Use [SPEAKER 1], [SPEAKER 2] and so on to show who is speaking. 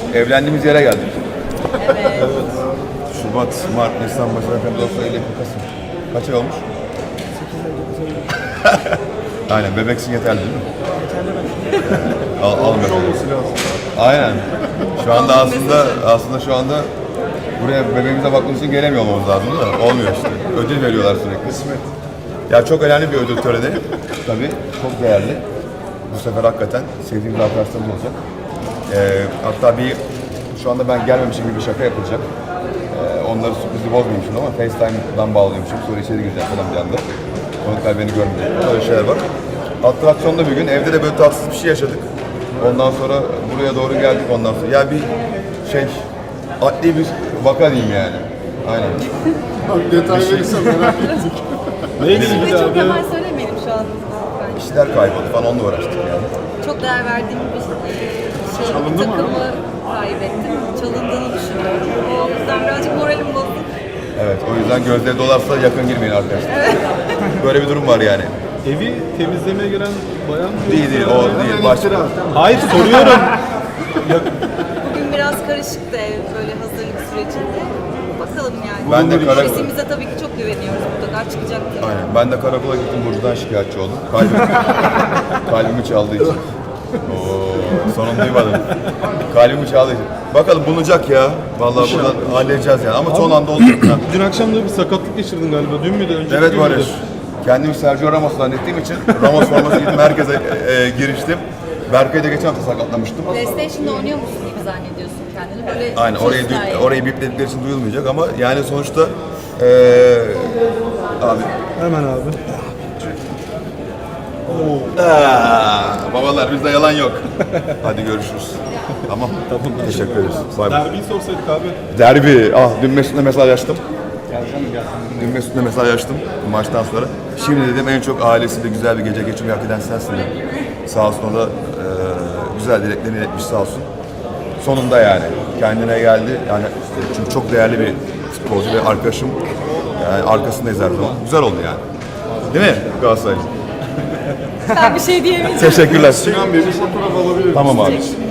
[SPEAKER 1] evlendiğimiz yere geldik.
[SPEAKER 2] Evet.
[SPEAKER 1] Şubat, Mart, Nisan, Mayıs, Haziran, Ağustos, Eylül, Kasım. Kaç ay olmuş? 8 ay, aynen, bebeksin yeterli değil mi? Almıyor. Aynen. Şu anda aslında şu anda buraya bebeğimize bakmak için gelemiyor olmamız lazım da olmuyor işte. Ödül veriyorlar sürekli. Ya çok önemli bir ödül töreni. Tabii çok değerli. Bu sefer hakikaten sevdiğimiz arkadaşlarımız olacak. Hatta şu anda ben gelmemişim gibi bir şaka yapılacak. Onları sürprizi bozmayayım şimdi ama FaceTime'dan bağlıyormuşum. Sonra içeri gireceğim falan bir anda. Konuklar beni görmeyecek. Öyle şeyler var. Atraksiyonda bir gün evde de böyle tatsız bir şey yaşadık. Ondan sonra buraya doğru geldik ondan sonra. Ya bir adli bir vaka diyeyim yani. Aynen.
[SPEAKER 3] Detay verirsen merak ettik. Neydi
[SPEAKER 2] Ve çok hemen söylemeyelim şu an.
[SPEAKER 1] İşler kayboldu falan onunla uğraştık yani.
[SPEAKER 2] Çok değer verdiğim bir takımı kaybettim. Çalındığını düşünüyorum. O yüzden birazcık moralim bozuk.
[SPEAKER 1] Evet, o yüzden gözleri dolarsa yakın girmeyin arkadaşlar. Böyle bir durum var yani.
[SPEAKER 3] Evi temizlemeye gelen bayan mı?
[SPEAKER 1] Değil, o değil. Başka.
[SPEAKER 3] Hayır, soruyorum.
[SPEAKER 2] Bugün biraz karışıktı ev böyle hazırlık sürecinde. Bakalım yani.
[SPEAKER 1] Ben de
[SPEAKER 2] Sesimize tabii ki çok güveniyoruz, mutlaka çıkacak diye.
[SPEAKER 1] Aynen. Ben de karakola gittim, Burcu'dan şikayetçi oldum. Kalbimi çaldığı için. Sonunu duymadım. Kalbimi çaldığı için. Bakalım bulunacak ya. Vallahi buradan halledeceğiz yani ama son anda olacak.
[SPEAKER 3] Dün akşam da bir sakatlık geçirdin galiba. Dün müydü? Önceki
[SPEAKER 1] Evet
[SPEAKER 3] gün müydü?
[SPEAKER 1] Barış. Kendimi Sergio Ramos zannettiğim için Ramos forması giydim, merkeze giriştim. Berkay'ı da geçen hafta sakatlamıştım.
[SPEAKER 2] PlayStation'da oynuyor musun gibi zannediyorsun kendini. Böyle
[SPEAKER 1] Aynen, orayı bipledikleri için duyulmayacak ama yani sonuçta abi.
[SPEAKER 3] Hemen abi.
[SPEAKER 1] Babalar bizde yalan yok. Hadi görüşürüz. Tamam. Teşekkür ederiz. Bay bay.
[SPEAKER 3] Derbiyi sorsaydık abi.
[SPEAKER 1] Derbi. Dün Mesut'la mesajlaştım. Dün Mesut'la mesajlaştım maçtan sonra. Şimdi dedim en çok ailesiyle güzel bir gece geçirmeyi hak eden sensin dedim. Sağ olsun o da güzel dileklerini iletmiş sağ olsun. Sonunda yani kendine geldi. Yani çünkü çok değerli bir futbolcu ve arkadaşım. Yani arkasındayız her zaman. Güzel oldu yani. Değil mi Galatasaray?
[SPEAKER 2] Ben bir şey diyemeyeceğim.
[SPEAKER 1] Teşekkürler.
[SPEAKER 3] Sinan Bey bir fotoğraf alabilir miyim?
[SPEAKER 1] Tamam abi.